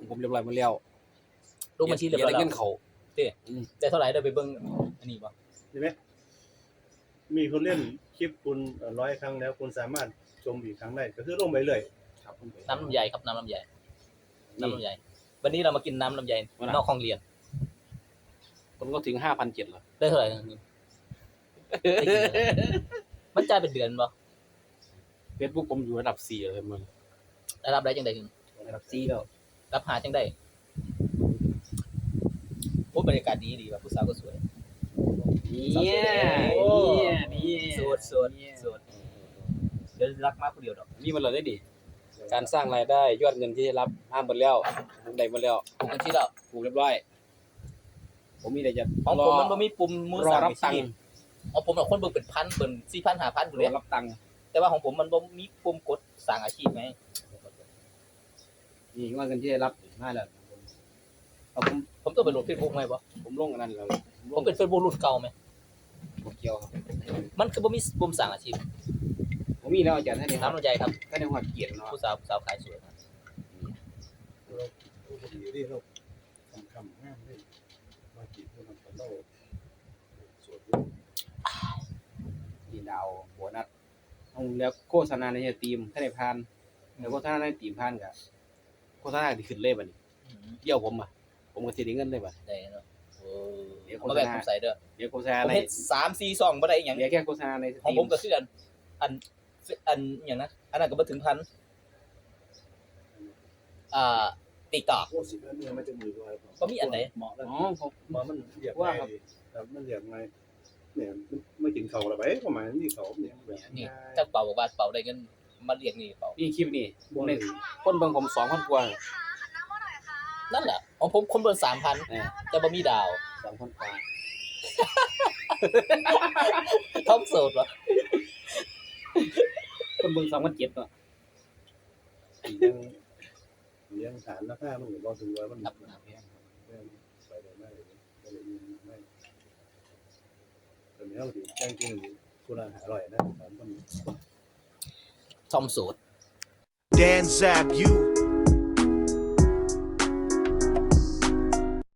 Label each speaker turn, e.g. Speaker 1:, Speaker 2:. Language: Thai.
Speaker 1: ผมเรียบร้อยหมดแล้ว
Speaker 2: ลงบัญชีเรียบร้อย
Speaker 1: ได้
Speaker 2: แล้ว
Speaker 1: เงินเขา
Speaker 2: ได้เท่าไหร่ได้ไปเบิ่งอันนี้บ่
Speaker 3: ใช่ไหมมีคนเล่นคลิปคุณ100 ครั้งแล้วคุณสามารถชมอีกครั้งได้ก็คือลงไปเลย
Speaker 1: ครับ
Speaker 2: น้ำลำไยครับน้ำลำไยวันนี้เรามากินน้ำลำไยนอกห้องเรียน
Speaker 1: ผมก็ถึง5,700แล้ว
Speaker 2: ได้เท่าไหร่ได้กินมันจ่ายเป็นเดือนบ่
Speaker 1: Facebook ผมอยู่ระดับ4เลยมึง
Speaker 2: ได้รับได้จังได๋ถึง
Speaker 1: ระดับ4แล้ว
Speaker 2: รับหาจังได๋โอ้บรรยากาศดีว่ะผู้สาวก็สวย
Speaker 1: นี่
Speaker 2: โสดเดี๋ยวรักมากผู้เดียวดอก
Speaker 1: นี่มันเลยได้ดิการสร้างรายได้ยอดเงินที่ได้รับห้ามหมดแล้วผมได้หมดแล้ว
Speaker 2: ถูกบัญชีแล้ว
Speaker 1: ถูกเรียบร้อยผมมีแต่จะ
Speaker 2: ของผมมันบ่มีปุ่มมือ
Speaker 1: รอ
Speaker 2: สั่ง
Speaker 1: รับตังค์
Speaker 2: ของผมคนเบิ่งเป็นพันเบิ่ง 4,000 5,000พุ่น
Speaker 1: ร
Speaker 2: เด้
Speaker 1: อรับตังค์
Speaker 2: แต่ว่าของผมมันบ่มีปุ่มกดสร้างอาชีพไง
Speaker 1: นี่ว่าเงินที่ได้รับได้แล้วเอาผม
Speaker 2: ผมต้องไปโหลด Facebook ไหมบ่
Speaker 1: ผมลงอันนั้นแล้ว
Speaker 2: ผมเป็น Facebook รุ่นเก่าไหม
Speaker 1: ผมเกี่ยวครับ
Speaker 2: มันคือบ่มีปุ่มสร้างอาชีพ
Speaker 1: ผมมีแล้วอาจารย์ท่านนี้ครับ
Speaker 2: น้ำลำไยครับ
Speaker 1: ท่านในหัวเกียรติเนาะ
Speaker 2: ผู้สาวขายสวยครับ
Speaker 3: ที่เราคำห้ามได้มาจีบผู้นำกันเราสวด
Speaker 1: นี่ดาวโบนัสเอาแล้วโฆษณาในทีมถ้าได้ผ่านแล้วโฆษณาในทีมผ่านก็โฆษณาที่ขึ้นเลยบัดนี้เดี่ยวผมผมก็สิได้เงินเลยบัด
Speaker 2: ได้เนาะโอ้
Speaker 1: เดี๋ยว
Speaker 2: มาแบ่งผมใส่เด้อ
Speaker 1: เดี๋ยวโฆษณา
Speaker 2: ผม
Speaker 1: ใน
Speaker 2: เฮ็ด3 4 2บ่ได้อีหยัง
Speaker 1: เดี๋ยวแค่โฆษณาใน
Speaker 2: ของ
Speaker 1: ที
Speaker 2: ผมก็คืออันหยังนะอันนั้นก็บ่ถึงพันTikTok
Speaker 3: โอ้สิบแล้วเนี่ยมันจะมือว่า
Speaker 2: บ่มีอันไหน
Speaker 3: เหมาะแล้ว
Speaker 1: อ๋อผม
Speaker 3: มันเรียกไงครับมันเรียกไงเนี่ยไม่กินเขาละไปประมาณนี้เขาเนี่ยแบบ
Speaker 2: นี่จักเป่าบอกว่าเป่าได้เงินมาเรียกนี่เป่า
Speaker 1: นี่คลิปนี่ผมได้คนเบิ่งผม2,000กว่า
Speaker 2: นั่นแหละของผมคนเบิ่ง 3,000
Speaker 1: เออ
Speaker 2: แต่บ่มีดาว
Speaker 1: 2,000กว่า
Speaker 2: ท้องโสดวะ
Speaker 1: คนเบิ่ง2,700เนาะ
Speaker 3: เลี้ยงฐานราคามันก็ถึงว่ามัน
Speaker 2: ครับ
Speaker 3: ไปได้ไม่ก็เลยไม่แต่เนี้ยดิแจ้งจริงคุณอาหารอร่อยนะถามคน
Speaker 2: ท้องโสด
Speaker 4: Dan Zap, you